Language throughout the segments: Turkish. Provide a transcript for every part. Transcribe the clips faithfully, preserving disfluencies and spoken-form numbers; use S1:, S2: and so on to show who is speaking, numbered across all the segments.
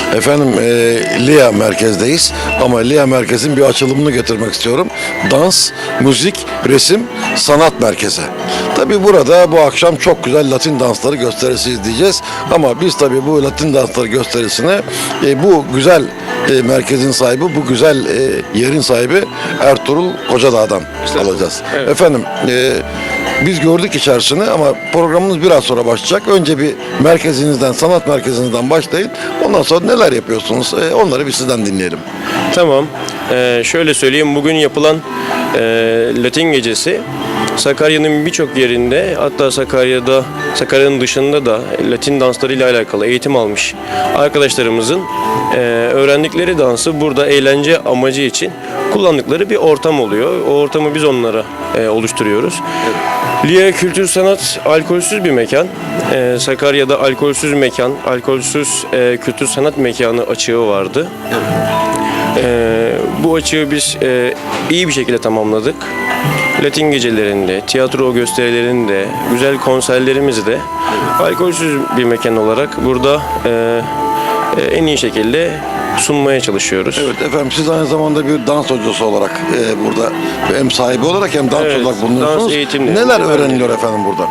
S1: Efendim e, L I A merkezdeyiz ama L I A merkezin bir açılımını getirmek istiyorum. Dans, müzik, resim, sanat merkezi. Tabi burada bu akşam çok güzel Latin dansları gösterisi izleyeceğiz. Ama biz tabi bu Latin dansları gösterisini e, bu güzel e, merkezin sahibi, bu güzel e, yerin sahibi Ertuğrul Kocadağ'dan alacağız.
S2: Evet.
S1: Efendim e, biz gördük içerisini ama programımız biraz sonra başlayacak. Önce bir merkezinizden, sanat merkezinizden başlayın. Ondan sonra neler yapıyorsunuz? E, onları bir sizden dinleyelim.
S2: Tamam. Ee, şöyle söyleyeyim. Bugün yapılan e, Latin Gecesi Sakarya'nın birçok yerinde, hatta Sakarya'da, Sakarya'nın dışında da Latin danslarıyla alakalı eğitim almış arkadaşlarımızın e, öğrendikleri dansı burada eğlence amacı için kullandıkları bir ortam oluyor. O ortamı biz onlara e, oluşturuyoruz. L I A Kültür Sanat alkolsüz bir mekan. E, Sakarya'da alkolsüz mekan, alkolsüz e, kültür sanat mekanı açığı vardı. E, bu açığı biz e, iyi bir şekilde tamamladık. Latin gecelerinde, tiyatro gösterilerinde, güzel konserlerimizde alkolsüz bir mekan olarak burada e, e, en iyi şekilde sunmaya çalışıyoruz.
S1: Evet efendim, siz aynı zamanda bir dans hocası olarak e, burada hem sahibi olarak hem dans
S2: Evet,
S1: olarak bulunuyorsunuz.
S2: dans eğitimleri.
S1: Neler öğreniliyor efendim burada?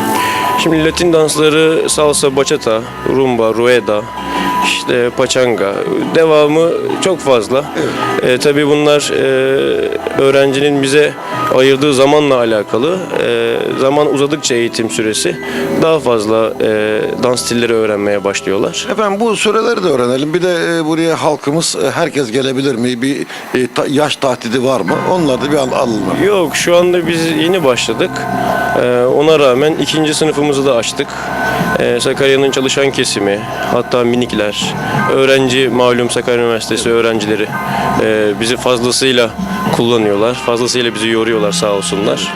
S2: Şimdi Latin dansları salsa, bachata, rumba, rueda, işte pachanga, devamı çok fazla. Evet. E, tabii bunlar e, öğrencinin bize ayırdığı zamanla alakalı. E, zaman uzadıkça eğitim süresi daha fazla e, dans stilleri öğrenmeye başlıyorlar.
S1: Efendim bu süreleri de öğrenelim. Bir de e, buraya halkımız, e, herkes gelebilir mi? Bir e, ta, yaş tahdidi var mı? Onları da bir al, alalım.
S2: Yok, şu anda biz yeni başladık. E, ona rağmen ikinci sınıfımızı da açtık. E, Sakarya'nın çalışan kesimi, hatta minikler, öğrenci, malum Sakarya Üniversitesi öğrencileri e, bizi fazlasıyla kullanıyorlar. Fazlasıyla bizi yoruyorlar sağ olsunlar.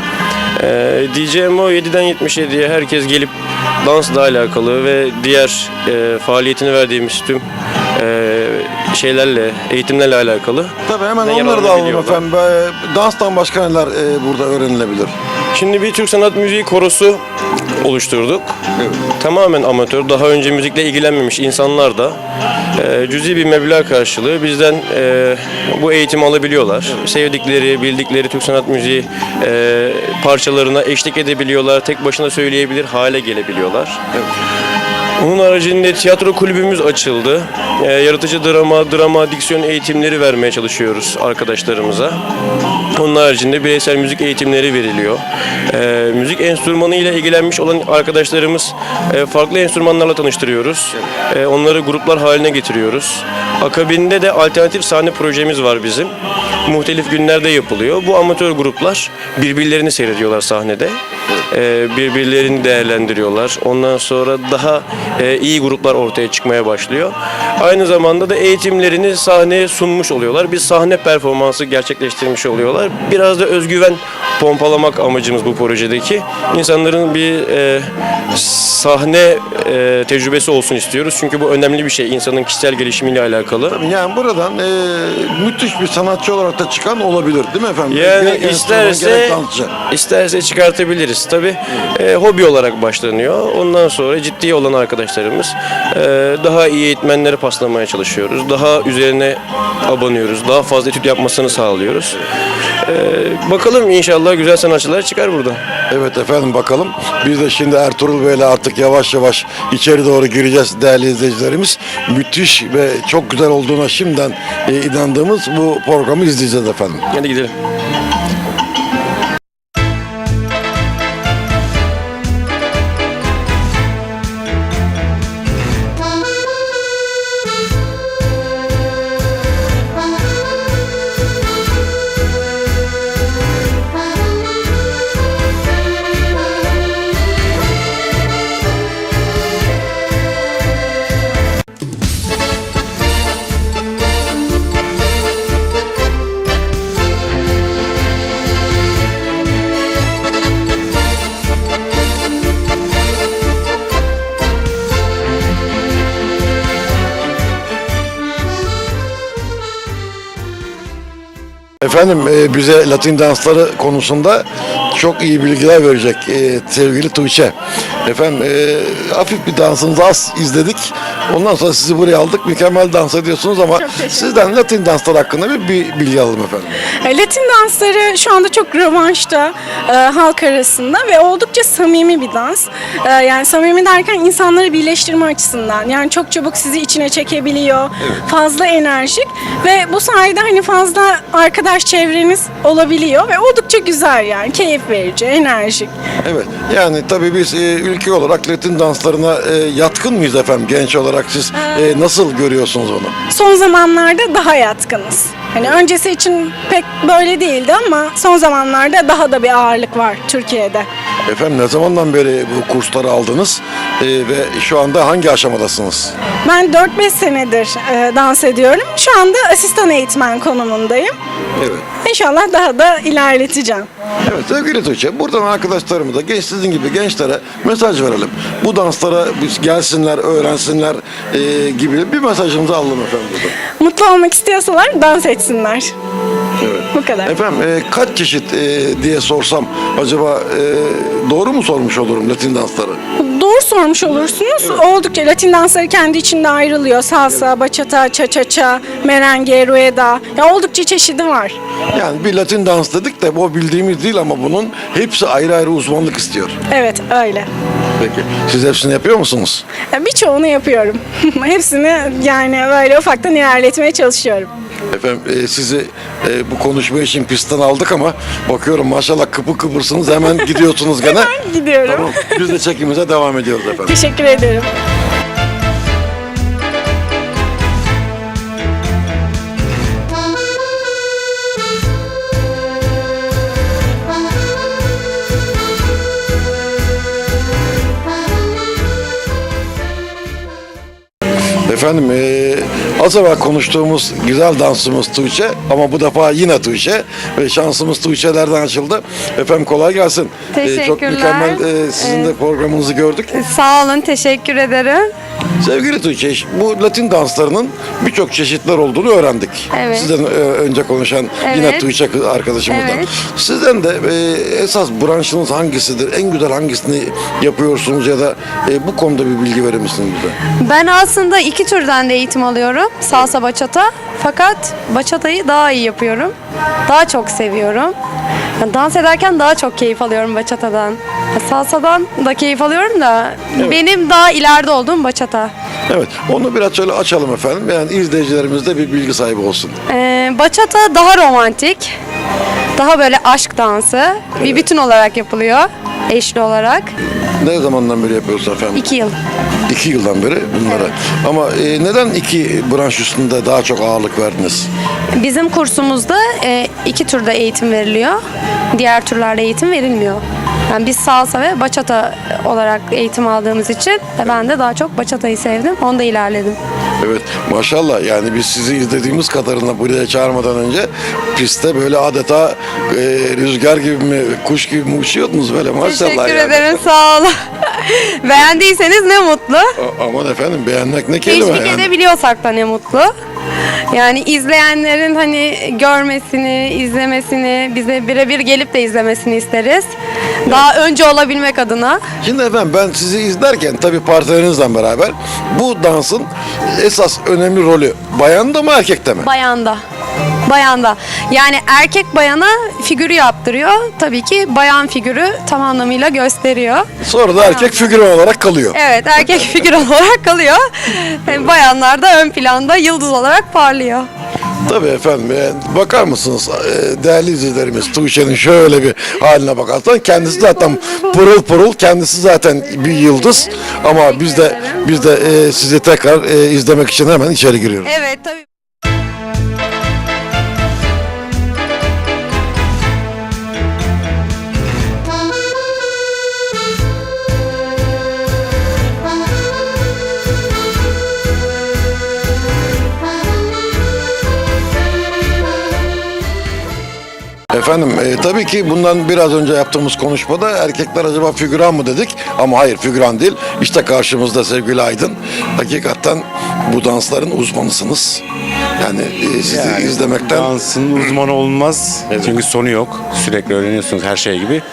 S2: E, diyeceğim o, yediden yetmiş yediye herkes gelip dansla alakalı ve diğer e, faaliyetini verdiğimiz tüm e, şeylerle, eğitimlerle alakalı.
S1: Tabii hemen
S2: da
S1: onları da alalım
S2: yararlanabiliyorlar.
S1: efendim. E, danstan başka neler e, burada öğrenilebilir?
S2: Şimdi bir Türk Sanat Müziği korosu oluşturduk.
S1: Evet.
S2: Tamamen amatör, daha önce müzikle ilgilenmemiş insanlar da e, cüzi bir meblağ karşılığı bizden e, bu eğitimi alabiliyorlar. Evet. Sevdikleri, bildikleri Türk Sanat Müziği e, parçalarına eşlik edebiliyorlar. Tek başına söyleyebilir hale gelebiliyorlar.
S1: Evet.
S2: Onun haricinde tiyatro kulübümüz açıldı. E, yaratıcı drama, drama, diksiyon eğitimleri vermeye çalışıyoruz arkadaşlarımıza. Onun haricinde bireysel müzik eğitimleri veriliyor. E, müzik enstrümanı ile ilgilenmiş olan arkadaşlarımız e, farklı enstrümanlarla tanıştırıyoruz. E, onları gruplar haline getiriyoruz. Akabinde de alternatif sahne projemiz var bizim. Muhtelif günlerde yapılıyor. Bu amatör gruplar birbirlerini seyrediyorlar sahnede. E, birbirlerini değerlendiriyorlar. Ondan sonra daha e, iyi gruplar ortaya çıkmaya başlıyor. Aynı zamanda da eğitimlerini sahneye sunmuş oluyorlar. Bir sahne performansı gerçekleştirmiş oluyorlar. Biraz da özgüven pompalamak amacımız bu projedeki. İnsanların bir e, sahne e, tecrübesi olsun istiyoruz. Çünkü bu önemli bir şey. İnsanın kişisel gelişimiyle alakalı.
S1: Tabii yani buradan e, müthiş bir sanatçı olarak da çıkan olabilir değil mi efendim?
S2: Yani
S1: Gerek enstrüman,
S2: isterse
S1: gerek dansçı.
S2: isterse çıkartabiliriz. Tabii e, hobi olarak başlanıyor. Ondan sonra ciddi olan arkadaşlarımız e, daha iyi eğitmenlere paslamaya çalışıyoruz. Daha üzerine abanıyoruz. Daha fazla etüt yapmasını sağlıyoruz. E, bakalım, inşallah güzel sanatçılar çıkar burada.
S1: Evet efendim, bakalım. Biz de şimdi Ertuğrul Bey'le artık yavaş yavaş içeri doğru gireceğiz değerli izleyicilerimiz. Müthiş ve çok güzel olduğuna şimdiden e, inandığımız bu programı izleyeceğiz efendim.
S2: Hadi gidelim.
S1: Efendim e, bize Latin dansları konusunda çok iyi bilgiler verecek e, sevgili Tuğçe. Efendim e, hafif bir dansınızı az izledik. Ondan sonra sizi buraya aldık. Mükemmel dans ediyorsunuz ama sizden Latin danslar hakkında bir, bir bilgi alalım efendim.
S3: E, Latin dansları şu anda çok revanşta e, halk arasında ve oldukça samimi bir dans. E, yani samimi derken insanları birleştirme açısından. Yani çok çabuk sizi içine çekebiliyor. Fazla enerjik ve bu sayede hani fazla arkadaş çevreniz olabiliyor ve oldukça güzel yani. Keyif verici, enerjik.
S1: Evet. Yani tabii biz e, ülke olarak Latin danslarına e, yatkın mıyız efendim genç olarak siz e, nasıl görüyorsunuz onu?
S3: Son zamanlarda daha yatkınız. Hani öncesi için pek böyle değildi ama son zamanlarda daha da bir ağırlık var Türkiye'de.
S1: Efendim ne zamandan beri bu kursları aldınız E, ve şu anda hangi aşamadasınız?
S3: Ben dört beş senedir e, dans ediyorum. Şu anda asistan eğitmen konumundayım.
S1: Evet.
S3: İnşallah daha da ilerleteceğim.
S1: Evet sevgili Tuğçe, buradan arkadaşlarımıza, genç sizin gibi gençlere mesaj verelim. Bu danslara biz gelsinler, öğrensinler e, gibi bir mesajımızı alalım efendim burada.
S3: Mutlu olmak istiyorsalar dans etsinler.
S1: Evet.
S3: Bu kadar.
S1: Efendim e, kaç çeşit e, diye sorsam acaba e, doğru mu sormuş olurum Latin dansları?
S3: Doğru sormuş olursunuz. Oldukça Latin dansları kendi içinde ayrılıyor. Salsa, bachata, cha-cha-cha, merengue, rueda. Ya oldukça çeşidi var.
S1: Yani bir Latin dans dedik de o bildiğimiz değil ama bunun hepsi ayrı ayrı uzmanlık istiyor.
S3: Evet, öyle.
S1: Peki siz hepsini yapıyor musunuz?
S3: Ya birçoğunu yapıyorum. Hepsini yani böyle ufaktan ilerletmeye çalışıyorum.
S1: Efendim e, sizi e, bu konuşma için pistten aldık ama bakıyorum maşallah kıpır kıpırsınız hemen gidiyorsunuz gene.
S3: Hemen gidiyorum.
S1: Tamam, biz de çekimimize devam ediyoruz efendim.
S3: Teşekkür ederim.
S1: Efendim e, az evvel konuştuğumuz güzel dansımız Tuğçe ama bu defa yine Tuğçe ve şansımız Tuğçe'lerden açıldı. Efendim kolay gelsin. E, çok
S4: Teşekkürler.
S1: mükemmel e, sizin de programınızı gördük.
S4: Sağ olun, teşekkür ederim.
S1: Sevgili Tuğçe, bu Latin danslarının birçok çeşitler olduğunu öğrendik.
S4: Evet.
S1: Sizden e, önce konuşan yine
S4: Evet.
S1: Tuğçe kız- arkadaşımızdan.
S4: Evet.
S1: Sizden de e, esas branşınız hangisidir? En güzel hangisini yapıyorsunuz ya da e, bu konuda bir bilgi verir misiniz bize?
S4: Ben aslında iki türden de eğitim alıyorum. Salsa, bachata. Fakat bachata'yı daha iyi yapıyorum. Daha çok seviyorum. Yani dans ederken daha çok keyif alıyorum bachata'dan. Ya Salsa'dan da keyif alıyorum da benim daha ileride olduğum bachata.
S1: Evet, onu biraz şöyle açalım efendim. Yani izleyicilerimiz de bir bilgi sahibi olsun.
S4: Ee, bachata daha romantik. Daha böyle aşk dansı. Bir bütün olarak yapılıyor. Eşli olarak.
S1: Ne zamandan beri yapıyorsunuz efendim?
S4: iki yıl.
S1: İki yıldan beri bunlara. Ama e, neden iki branş üstünde daha çok ağırlık verdiniz?
S4: Bizim kursumuzda e, iki türde eğitim veriliyor. Diğer türlerde eğitim verilmiyor. Yani biz salsa ve bachata olarak eğitim aldığımız için e, ben de daha çok bachata'yı sevdim. Onda ilerledim.
S1: Evet maşallah yani biz sizi izlediğimiz kadarıyla buraya çağırmadan önce pistte böyle adeta e, rüzgar gibi mi kuş gibi mi uçuyordunuz böyle maşallah.
S4: Teşekkür
S1: yani.
S4: ederim, sağ olun. Beğendiyseniz ne mutlu.
S1: A- aman efendim beğenmek ne kelime
S4: Teşvik
S1: yani.
S4: edebiliyorsak da ne mutlu. Yani izleyenlerin hani görmesini, izlemesini, bize birebir gelip de izlemesini isteriz. Daha önce olabilmek adına.
S1: Şimdi efendim ben sizi izlerken tabii partnerinizle beraber bu dansın esas önemli rolü bayanda mı erkekte mi?
S4: Bayanda. Bayanda. Yani erkek bayana figürü yaptırıyor. Tabii ki bayan figürü tam anlamıyla gösteriyor.
S1: Sonra da erkek figüran olarak kalıyor.
S4: Evet, erkek figür olarak kalıyor. Yani bayanlar da ön planda yıldız olarak parlıyor.
S1: Tabii efendim yani bakar mısınız e, değerli izleyicilerimiz Tuğçe'nin şöyle bir haline bakarsan kendisi zaten pırıl pırıl kendisi zaten bir yıldız ama biz de biz de e, sizi tekrar e, izlemek için hemen içeri giriyoruz.
S4: Evet, tabii.
S1: Efendim e, tabii ki bundan biraz önce yaptığımız konuşmada erkekler acaba figüran mı dedik ama hayır figüran değil. İşte karşımızda sevgili Aydın. Hakikaten bu dansların uzmanısınız. Yani e, sizi
S5: Yani
S1: izlemekten
S5: dansın uzmanı olmaz. Çünkü sonu yok. Sürekli öğreniyorsunuz her şey gibi.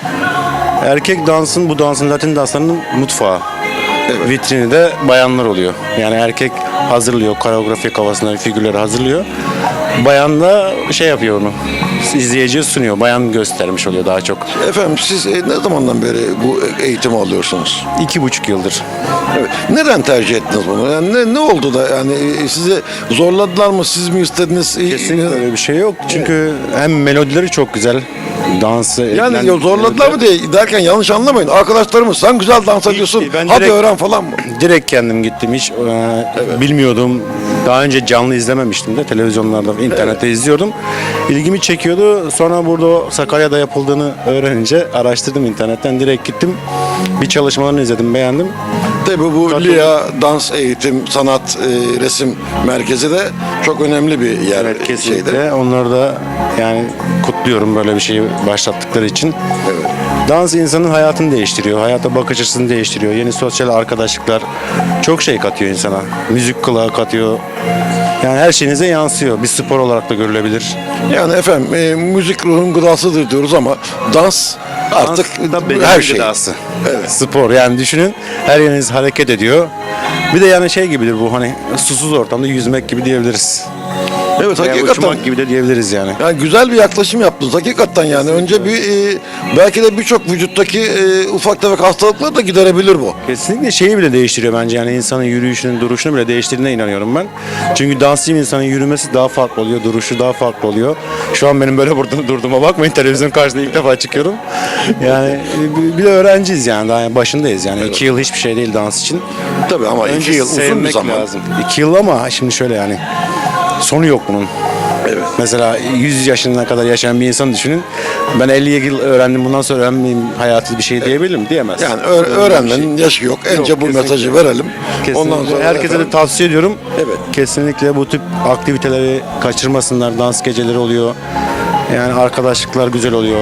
S5: Erkek dansın, bu dansın Latin danslarının mutfağı. Vitrini de bayanlar oluyor. Yani erkek hazırlıyor, koreografi kafasında figürleri hazırlıyor. Bayan da şey yapıyor onu. İzleyiciye sunuyor. Bayan göstermiş oluyor daha çok.
S1: efendim siz e, ne zamandan beri bu eğitimi alıyorsunuz?
S5: İki buçuk yıldır.
S1: Evet. Neden tercih ettiniz bunu? Yani ne, ne oldu da yani e, sizi zorladılar mı? Siz mi istediniz? E,
S5: Kesinlikle öyle bir şey yok. Çünkü hem melodileri çok güzel. Dansı
S1: Yani
S5: edilen
S1: ya zorladılar mı diye derken yanlış anlamayın. Arkadaşlarımız sen güzel dans ediyorsun.
S5: ben
S1: Hadi
S5: direkt-
S1: öğren falan mı?
S5: Direkt kendim gittim. Hiç e, bilmiyordum. Daha önce canlı izlememiştim de. Televizyonlarda, internette izliyordum. İlgimi çekiyordu. Sonra burada Sakarya'da yapıldığını öğrenince araştırdım internetten. Direkt gittim. Bir çalışmalarını izledim, beğendim.
S1: Tabii bu
S5: Katıldım.
S1: L I A Dans Eğitim Sanat e, Resim Merkezi de çok önemli bir yer.
S5: Evet,
S1: şeyde.
S5: kesinlikle. Onları da yani kutluyorum böyle bir şeyi başlattıkları için.
S1: Evet.
S5: Dans insanın hayatını değiştiriyor. Hayata bakış açısını değiştiriyor. Yeni sosyal arkadaşlıklar çok şey katıyor insana. Müzik kulağı katıyor. Yani her şeyinize yansıyor. Bir spor olarak da görülebilir.
S1: Yani efendim e, müzik ruhun gıdasıdır diyoruz ama dans artık
S5: Dans da bedenin
S1: her şey.
S5: gıdası.
S1: Evet.
S5: Spor yani düşünün her yeriniz hareket ediyor. Bir de yani şey gibidir bu hani susuz ortamda yüzmek gibi diyebiliriz.
S1: Evet
S5: Veya
S1: hakikaten.
S5: uçmak gibi de diyebiliriz yani.
S1: Yani güzel bir yaklaşım yaptınız hakikaten yani. Önce bir e, belki de birçok vücuttaki e, ufak tefek hastalıkları da giderebilir bu.
S5: Kesinlikle şeyi bile değiştiriyor bence yani insanın yürüyüşünün, duruşunu bile değiştirdiğine inanıyorum ben. Çünkü dansçı bir insanın yürümesi daha farklı oluyor, duruşu daha farklı oluyor. Şu an benim böyle burada durduğuma bakmayın, televizyon karşısında ilk defa çıkıyorum. Yani bir- bir de öğrenciyiz yani, daha başındayız yani. iki yıl hiçbir şey değil dans için.
S1: Tabii ama
S5: Önce
S1: iki yıl uzun bir
S5: sevmek
S1: zaman.
S5: lazım. İki yıl ama şimdi şöyle yani sonu yok bunun.
S1: Evet.
S5: Mesela yüz yaşına kadar yaşayan bir insan düşünün. Ben elli yıl öğrendim, bundan sonra öğrenmeyeyim hayatı bir şey diyebilir mi? Diyemez.
S1: Yani öğ- öğrenmenin yaşı yok. Önce bu
S5: kesinlikle.
S1: mesajı verelim.
S5: Kesinlikle.
S1: Ondan sonra
S5: herkese
S1: efendim-
S5: de tavsiye ediyorum.
S1: Evet.
S5: Kesinlikle bu tip aktiviteleri kaçırmasınlar. Dans geceleri oluyor. Yani arkadaşlıklar güzel oluyor.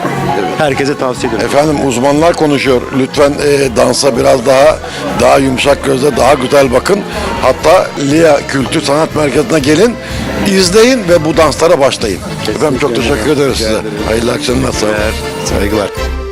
S5: Herkese tavsiye ediyorum.
S1: Efendim uzmanlar konuşuyor. Lütfen e, dansa biraz daha daha yumuşak gözle daha güzel bakın. Hatta L I A Kültür Sanat Merkezi'ne gelin, izleyin ve bu danslara başlayın. Efendim çok teşekkür ederiz size. Hayırlı akşamlar. Sağ olun.
S5: Saygılar.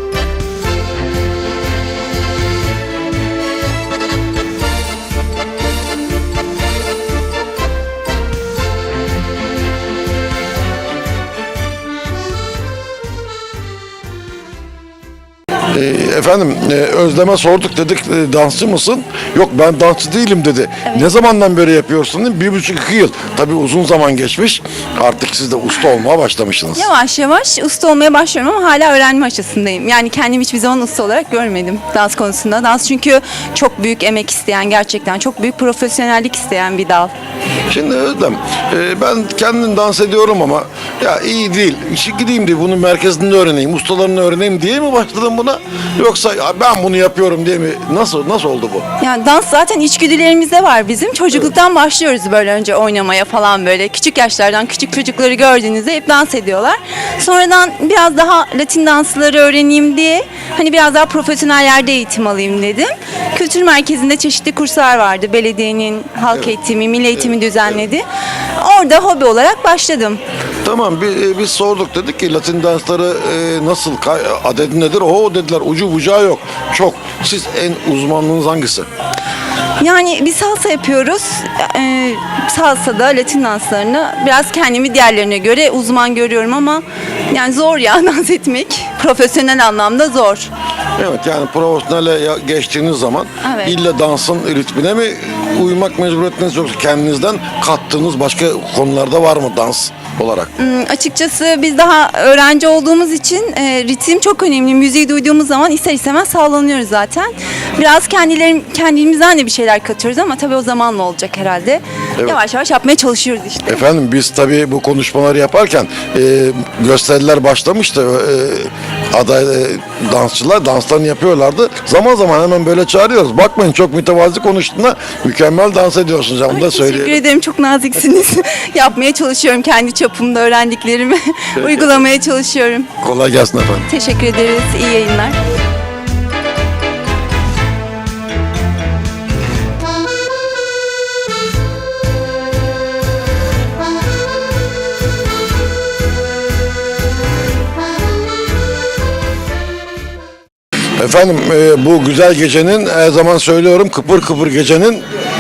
S1: E, efendim e, Özlem'e sorduk dedik e, dansçı mısın? Yok ben dansçı değilim dedi. Ne zamandan beri yapıyorsun? Dedi. Bir buçuk iki yıl. Tabii uzun zaman geçmiş. Artık siz de usta olmaya başlamışsınız.
S6: Yavaş yavaş usta olmaya başlıyorum ama hala öğrenme aşamasındayım. Yani kendimi hiçbir zaman usta olarak görmedim dans konusunda. Dans çünkü çok büyük emek isteyen, gerçekten çok büyük profesyonellik isteyen bir dal.
S1: Şimdi Özlem e, ben kendim dans ediyorum ama ya iyi değil. İşi gideyim diye bunun merkezinde öğreneyim, ustalarını öğreneyim diye mi başladın buna? Yoksa ya ben bunu yapıyorum diye mi? Nasıl nasıl oldu bu?
S6: Yani dans zaten içgüdülerimizde var bizim. Çocukluktan başlıyoruz böyle önce oynamaya falan böyle. Küçük yaşlardan küçük çocukları gördüğünüzde hep dans ediyorlar. Sonradan biraz daha Latin dansları öğreneyim diye hani biraz daha profesyonel yerde eğitim alayım dedim. Kültür merkezinde çeşitli kurslar vardı. Belediyenin halk eğitimi, milli eğitimi düzenledi. Orada hobi olarak başladım.
S1: Tamam biz, biz sorduk dedik ki Latin dansları e, nasıl kay- adedi nedir? O dediler ucu bucağı yok. Çok. Siz en uzmanlığınız hangisi?
S6: Yani bir salsa yapıyoruz. Ee, salsada Latin danslarını biraz kendimi diğerlerine göre uzman görüyorum ama yani zor ya dans etmek. Profesyonel anlamda zor.
S1: Evet yani profesyonele ya- geçtiğiniz zaman
S6: Evet.
S1: illa dansın ritmine mi uymak mecburiyetiniz yoksa kendinizden kattığınız başka konularda var mı dans olarak?
S6: Hmm, açıkçası biz daha öğrenci olduğumuz için e, ritim çok önemli. Müziği duyduğumuz zaman ister istemez sağlanıyoruz zaten. Biraz kendilerim, kendimizden de bir şeyler katıyoruz ama tabii o zamanla olacak herhalde. Yavaş yavaş yapmaya çalışıyoruz işte.
S1: Efendim biz tabii bu konuşmaları yaparken e, gösteriler başlamıştı. E, aday e, dansçılar danslarını yapıyorlardı. Zaman zaman hemen böyle çağırıyoruz. Bakmayın çok mütevazi konuştuğunda mükemmel dans ediyorsunuz. Onu da
S6: Teşekkür
S1: söyleyeyim.
S6: ederim, çok naziksiniz. Yapmaya çalışıyorum kendi çapımda öğrendiklerimi. Uygulamaya çalışıyorum.
S1: Kolay gelsin efendim.
S6: Teşekkür ederiz, iyi yayınlar.
S1: Efendim e, bu güzel gecenin her zaman söylüyorum kıpır kıpır gecenin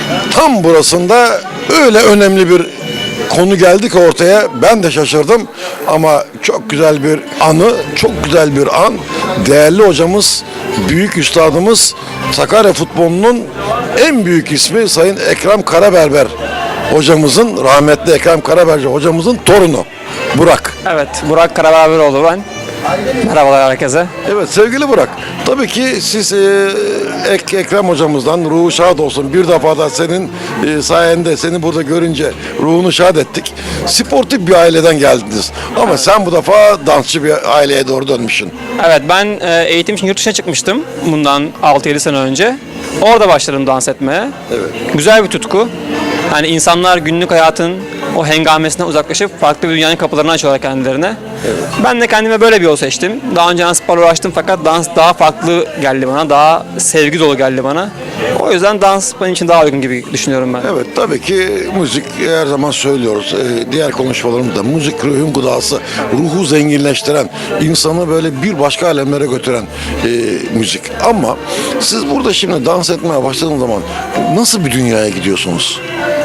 S1: tam burasında öyle önemli bir konu geldi ki ortaya ben de şaşırdım ama çok güzel bir anı, çok güzel bir an. Değerli hocamız, büyük üstadımız Sakarya futbolunun en büyük ismi Sayın Ekrem Karaberber hocamızın, rahmetli Ekrem Karaberber hocamızın torunu Burak.
S7: Evet, Burak Karaberberoğlu ben. Merhabalar herkese.
S1: Evet sevgili Burak, tabii ki siz e, Ek, Ekrem hocamızdan ruhu şad olsun. Bir defa da senin e, sayende seni burada görünce ruhunu şad ettik. Sportif bir aileden geldiniz. Ama sen bu defa dansçı bir aileye doğru dönmüşsün.
S7: Evet, ben e, eğitim için yurt dışına çıkmıştım bundan altı yedi sene önce. Orada başladım dans etmeye.
S1: Evet.
S7: Güzel bir tutku. Yani insanlar günlük hayatın o hengamesinden uzaklaşıp farklı bir dünyanın kapılarını açıyorlar kendilerine. Ben de kendime böyle bir yol seçtim. Daha önce dans sporla uğraştım fakat dans daha farklı geldi bana. Daha sevgi dolu geldi bana. O yüzden dans benim için daha uygun gibi düşünüyorum ben.
S1: Evet tabii ki müzik her zaman söylüyoruz. Ee, diğer konuşmalarımızda müzik ruhun gıdası, ruhu zenginleştiren, insanı böyle bir başka alemlere götüren e, müzik. Ama siz burada şimdi dans etmeye başladığınız zaman nasıl bir dünyaya gidiyorsunuz?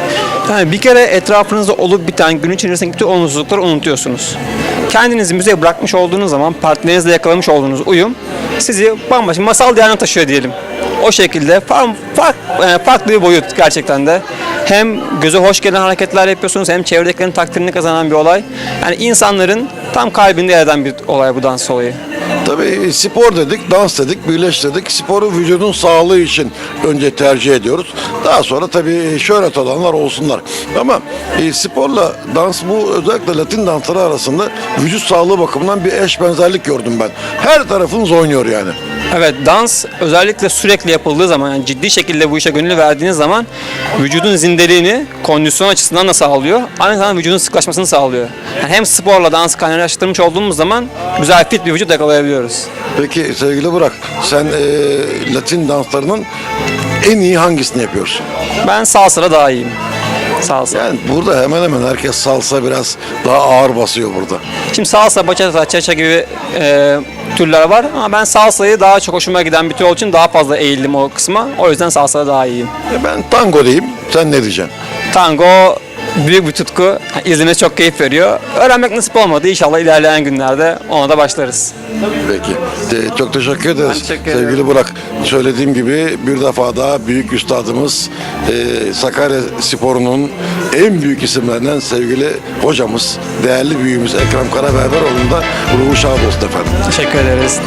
S7: Yani bir kere etrafınızda olup biten gün içerisindeki bütün olumsuzlukları unutuyorsunuz. Kendinizi müziğe bırakmış olduğunuz zaman partnerinizle yakalamış olduğunuz uyum sizi bambaşka masal diyarına taşıyor diyelim. O şekilde fark, fark, farklı bir boyut gerçekten de. Hem göze hoş gelen hareketler yapıyorsunuz hem çevredekilerin takdirini kazanan bir olay. Yani insanların tam kalbinde yer eden bir olay bu dans olayı.
S1: Tabii spor dedik, dans dedik, birleştirdik. Sporu vücudun sağlığı için önce tercih ediyoruz. Daha sonra tabii şöhret olanlar olsunlar. Ama e, sporla dans bu özellikle Latin dansları arasında vücut sağlığı bakımından bir eş benzerlik gördüm ben. Her tarafınız oynuyor yani.
S7: Evet, dans özellikle sürekli yapıldığı zaman, yani ciddi şekilde bu işe gönül verdiğiniz zaman vücudun zindeliğini kondisyon açısından da sağlıyor. Aynı zamanda vücudun sıklaşmasını sağlıyor. Yani hem sporla dansı kaynaştırmış olduğumuz zaman güzel fit bir vücut yakalayabiliyoruz.
S1: Peki sevgili Burak, sen e, Latin danslarının en iyi hangisini yapıyorsun?
S7: Ben salsa'da daha iyiyim. Salsa.
S1: Yani burada hemen hemen herkes salsa biraz daha ağır basıyor burada.
S7: Şimdi salsa, bachata, cha-cha gibi e, türler var ama ben salsayı daha çok hoşuma giden bir tür olduğu için daha fazla eğildim o kısma. O yüzden salsada daha iyiyim.
S1: E ben tango diyeyim, sen ne diyeceksin?
S7: Tango büyük bir tutku. İzlemesi çok keyif veriyor. Öğrenmek nasip olmadı. İnşallah ilerleyen günlerde ona da başlarız.
S1: Peki. De, çok teşekkür ederiz.
S7: Ben teşekkür
S1: Sevgili
S7: ederim.
S1: Burak, söylediğim gibi bir defa daha büyük üstadımız e, Sakarya Sporu'nun en büyük isimlerinden sevgili hocamız, değerli büyüğümüz Ekrem Karaberberoğlu'nun da ruhu şad olsun efendim.
S7: Teşekkür ederiz.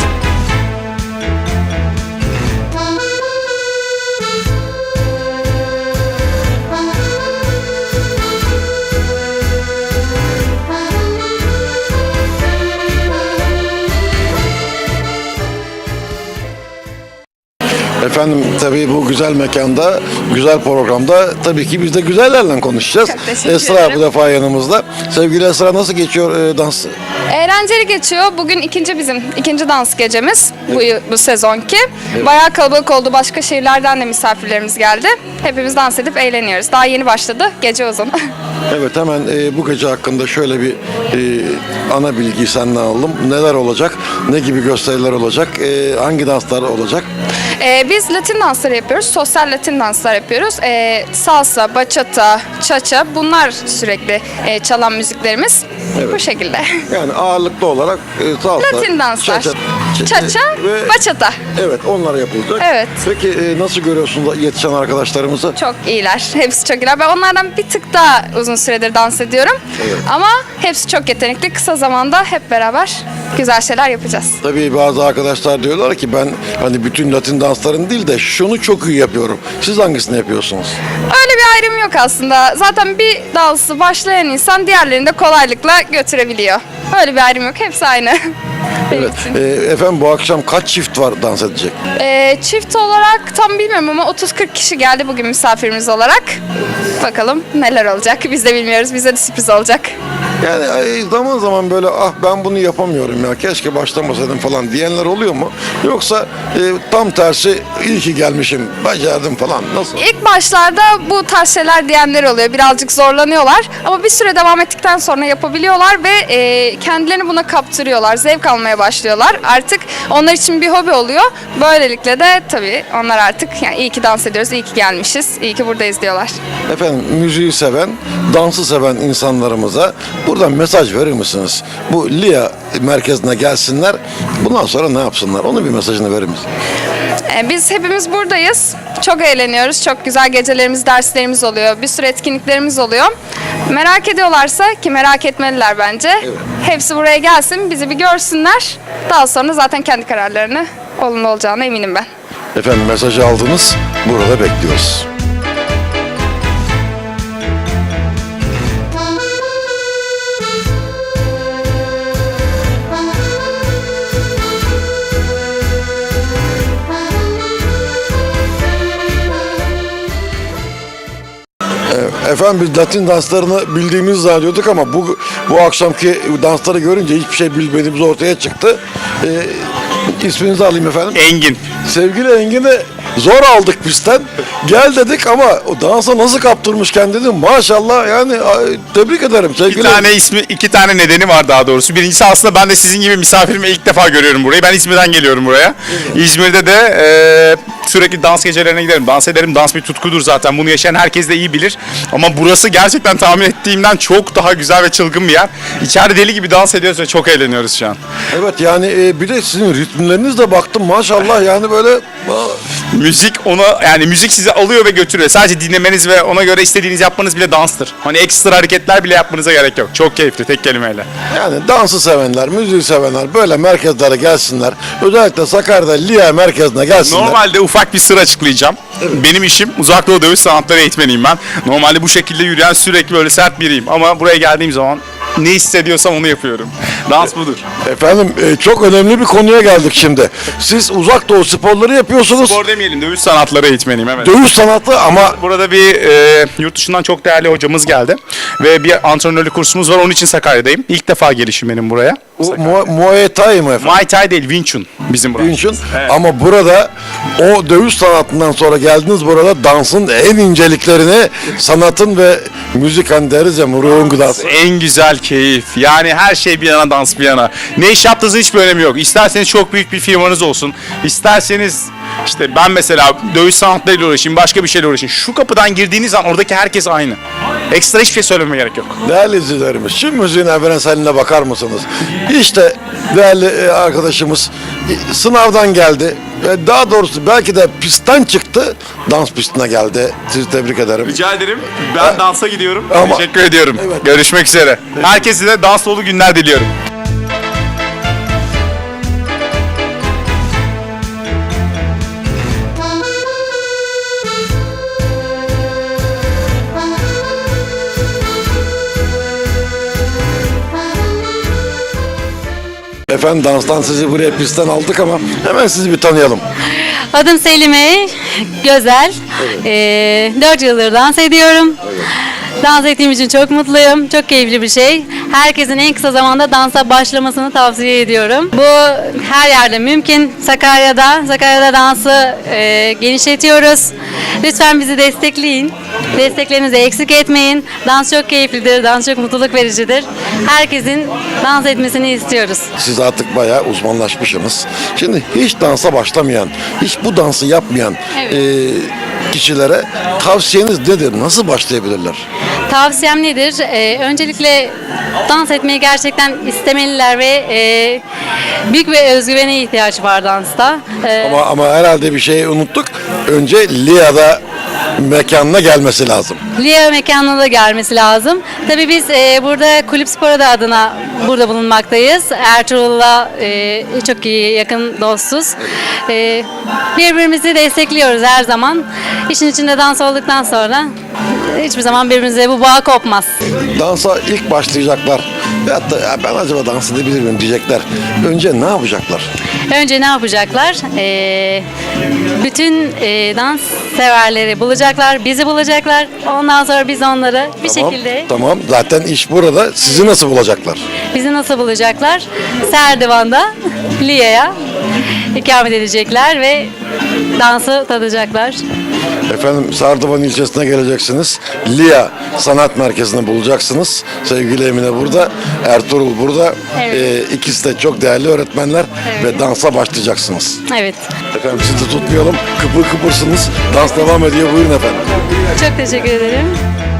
S1: Efendim tabii bu güzel mekanda, güzel programda tabii ki biz de güzellerle konuşacağız.
S8: Çok teşekkür
S1: Esra
S8: ederim.
S1: bu defa yanımızda. Sevgili Esra nasıl geçiyor e, dans?
S8: Eğlenceli geçiyor. Bugün ikinci bizim ikinci dans gecemiz bu yıl- bu sezonki. Bayağı kalabalık oldu. Başka şehirlerden de misafirlerimiz geldi. Hepimiz dans edip eğleniyoruz. Daha yeni başladı. Gece uzun.
S1: Evet hemen e, bu gece hakkında şöyle bir e, ana bilgiyi senden alalım. Neler olacak? Ne gibi gösteriler olacak? E, hangi danslar olacak?
S8: Ee, biz Latin dansları yapıyoruz. Sosyal Latin danslar yapıyoruz. Ee, salsa, bachata, cha-cha bunlar sürekli e, çalan müziklerimiz. Bu şekilde.
S1: Yani ağırlıklı olarak e, salsa,
S8: Latin danslar.
S1: cha-cha,
S8: Cha-cha,
S1: ve
S8: bachata.
S1: evet onlar yapılacak.
S8: Evet.
S1: Peki e, nasıl görüyorsunuz yetişen arkadaşlarımızı?
S8: Çok iyiler. Hepsi çok iyiler. Ben onlardan bir tık daha uzun süredir dans ediyorum. Ama hepsi çok yetenekli. Kısa zamanda hep beraber güzel şeyler yapacağız.
S1: Tabii bazı arkadaşlar diyorlar ki ben hani bütün Latin dansların değil de şunu çok iyi yapıyorum. Siz hangisini yapıyorsunuz?
S8: Öyle bir ayrım yok aslında. Zaten bir dansı başlayan insan diğerlerini de kolaylıkla götürebiliyor. Öyle bir ayrım yok. Hepsi aynı. Benim
S1: Evet.
S8: için.
S1: E, efendim bu akşam kaç çift var dans edecek?
S8: Ee, çift olarak tam bilmiyorum ama otuz kırk kişi geldi bugün misafirimiz olarak. Bakalım neler olacak. Biz de bilmiyoruz. Bize de sürpriz olacak.
S1: Yani ay, zaman zaman böyle ah ben bunu yapamıyorum ya keşke başlamasaydım falan diyenler oluyor mu? Yoksa e, tam tersi iyi ki gelmişim, becerdim falan. Nasıl?
S8: İlk başlarda bu tarz şeyler diyenler oluyor. Birazcık zorlanıyorlar. Ama bir süre devam ettikten sonra yapabiliyorlar ve e, kendilerini buna kaptırıyorlar. Zevk almaya başlıyorlar. Artık onlar için bir hobi oluyor. Böylelikle de tabii onlar artık yani iyi ki dans ediyoruz, iyi ki gelmişiz, iyi ki buradayız diyorlar.
S1: Efendim müziği seven, dansı seven insanlarımıza buradan mesaj verir misiniz? Bu L İ A merkezine gelsinler. Bundan sonra ne yapsınlar? Onun bir mesajını verir misiniz?
S8: E, Biz hepimiz buradayız. Çok eğleniyoruz. Çok güzel gecelerimiz, derslerimiz oluyor. Bir sürü etkinliklerimiz oluyor. Merak ediyorlarsa ki merak etmeliler bence. Hepsi buraya gelsin, bizi bir görsünler. Daha sonra zaten kendi kararlarını olumlu olacağına eminim ben.
S1: Efendim mesajı aldınız. Burada bekliyoruz. Efendim biz Latin danslarını bildiğimizi zannediyorduk ama bu bu akşamki dansları görünce hiçbir şey bilmediğimiz ortaya çıktı. Ee, isminizi alayım efendim.
S9: Engin.
S1: Sevgili Engin'i zor aldık pistten. Gel dedik ama o dansa nasıl kaptırmış kendini maşallah yani ay, tebrik ederim sevgili.
S9: İki tane ismi, iki tane nedeni var daha doğrusu. Birincisi aslında ben de sizin gibi misafirimi ilk defa görüyorum burayı. Ben İzmir'den geliyorum buraya. İzmir'de de e, sürekli dans gecelerine giderim. Dans ederim. Dans bir tutkudur zaten. Bunu yaşayan herkes de iyi bilir. Ama burası gerçekten tahmin ettiğimden çok daha güzel ve çılgın bir yer. İçeride deli gibi dans ediyoruz ve çok eğleniyoruz şu an.
S1: Evet yani e, bir de sizin ritmlerinizle baktım maşallah yani böyle
S9: Müzik ona yani müzik sizi alıyor ve götürüyor. Sadece dinlemeniz ve ona göre istediğiniz yapmanız bile danstır. Hani ekstra hareketler bile yapmanıza gerek yok. Çok keyifli tek kelimeyle.
S1: yani dansı sevenler, müziği sevenler böyle merkezlere gelsinler. Özellikle Sakarya'da L İ A merkezine gelsinler.
S9: Normalde ufak bir sır açıklayacağım. Benim işim Uzak Doğu Dövüş Sanatları eğitmeniyim ben. Normalde bu şekilde yürüyen sürekli böyle sert biriyim. Ama buraya geldiğim zaman ne hissediyorsam onu yapıyorum. Dans budur.
S1: Efendim e, çok önemli bir konuya geldik şimdi. Siz uzak doğu sporları yapıyorsunuz.
S9: Spor demeyelim, dövüş sanatları eğitmeniyim, evet.
S1: Dövüş sanatı ama
S9: Burada bir e, yurt dışından çok değerli hocamız geldi. Ve bir antrenörlük kursumuz var. Onun için Sakarya'dayım. İlk defa gelişim benim buraya.
S1: o Mu- Muay Thai mı efendim?
S9: Muay Thai değil, Wing Chun bizim burası.
S1: Wing Chun.
S9: Evet.
S1: Ama burada o dövüş sanatından sonra geldiniz burada dansın en inceliklerini sanatın ve müzik hani deriz ya ruhun gıdası.
S9: En güzel keyif. Yani her şey bir yana, dans bir yana. Ne iş yaptığınızın hiçbir önemi yok. İsterseniz çok büyük bir firmanız olsun. İsterseniz işte ben mesela dövüş sanatlarıyla uğraşayım, başka bir şeyle uğraşayım. Şu kapıdan girdiğiniz an oradaki herkes aynı. Ekstra hiçbir şey söylememe gerek yok.
S1: Değerli izleyicilerimiz, şu müziğin evrenseline bakar mısınız? İşte değerli e, arkadaşımız e, sınavdan geldi. Ve daha doğrusu belki de pistten çıktı, dans pistine geldi. Sizi tebrik ederim.
S9: Rica ederim. Ben dansa gidiyorum.
S1: Ama-
S9: Teşekkür ediyorum.
S1: Evet.
S9: Görüşmek üzere. Herkese de dans dolu günler diliyorum.
S1: Efendim danstan sizi buraya pistten aldık ama hemen sizi bir tanıyalım.
S10: Adım Selime Gözel. Ee, dört yıldır dans ediyorum. Dans ettiğim için çok mutluyum. Çok keyifli bir şey. Herkesin en kısa zamanda dansa başlamasını tavsiye ediyorum. Bu her yerde mümkün. Sakarya'da, Sakarya'da dansı e, genişletiyoruz. Lütfen bizi destekleyin. Desteklerinizi eksik etmeyin. Dans çok keyiflidir, dans çok mutluluk vericidir. Herkesin dans etmesini istiyoruz.
S1: Siz artık bayağı uzmanlaşmışsınız. Şimdi hiç dansa başlamayan, hiç bu dansı yapmayan
S10: Evet.
S1: e, kişilere tavsiyeniz nedir? Nasıl başlayabilirler?
S10: Tavsiyem nedir? Ee, öncelikle dans etmeyi gerçekten istemeliler ve e, büyük bir özgüvene ihtiyaç var dansta. Ee,
S1: Ama ama herhalde bir şeyi unuttuk. Önce L İ A'da mekanına gelmesi lazım.
S10: L İ A mekanına da gelmesi lazım. Tabii biz e, burada Kulüp Spor adı adına burada bulunmaktayız. Ertuğrul'la e, çok iyi yakın dostuz. E, birbirimizi destekliyoruz her zaman. İşin içinde dans olduktan sonra hiçbir zaman birbirimize bu bağ kopmaz.
S1: Dansa ilk başlayacaklar. Veyahut da "Ya ben acaba dans edebilir miyim diyecekler. Önce ne yapacaklar?
S10: Önce ne yapacaklar? E, bütün e, dans severleri bulacaklar, bizi bulacaklar. Ondan sonra biz onları bir
S1: Tamam,
S10: şekilde
S1: tamam. Zaten iş burada. Sizi nasıl bulacaklar?
S10: bizi nasıl bulacaklar? Serdivan'da Lia'ya ikamet edecekler ve dansı tadacaklar.
S1: Efendim Sardıvan ilçesine geleceksiniz. Lia Sanat Merkezi'ni bulacaksınız. Sevgili Emine burada, Ertuğrul burada.
S10: Evet.
S1: Ee, ikisi de çok değerli öğretmenler ve dansa başlayacaksınız.
S10: Evet.
S1: Efendim sizi tutmayalım. Kıpır kıpırsınız. Dans devam ediyor. Buyurun efendim.
S10: Çok teşekkür ederim.